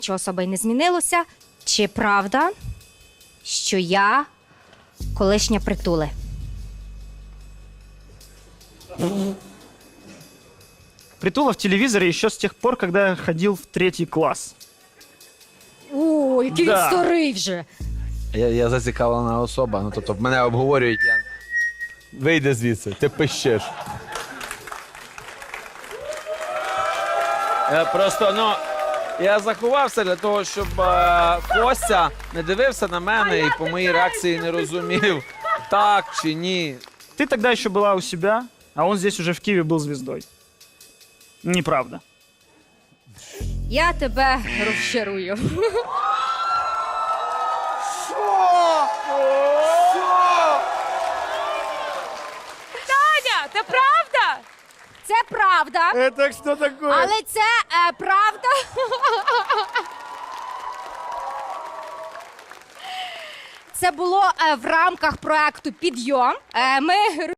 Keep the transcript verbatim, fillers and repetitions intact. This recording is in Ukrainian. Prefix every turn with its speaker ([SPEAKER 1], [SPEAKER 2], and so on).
[SPEAKER 1] Нічого особи не змінилося. Чи правда, що я колишня притули?
[SPEAKER 2] Притула в телевизоре еще с тех пор, когда я ходил в третий класс.
[SPEAKER 1] О, який
[SPEAKER 2] Да.
[SPEAKER 1] він старий вже.
[SPEAKER 3] Я, я зацікавлена особа, ну тобто мене обговорюють, я... Вийди звідси, ти пищиш. Я просто, ну, я заховався для того, щоб е, Костя не дивився на мене і по моїй реакції не розумів, так чи ні.
[SPEAKER 2] Ты тогда еще была у себя, а он здесь уже в Киеве был звездой. Неправда.
[SPEAKER 1] Я тебе розчарую.
[SPEAKER 4] Таня, це правда?
[SPEAKER 1] Це правда,
[SPEAKER 2] Это что такое?
[SPEAKER 1] але це е, правда. Це було е, в рамках проекту «Підйом». Е, ми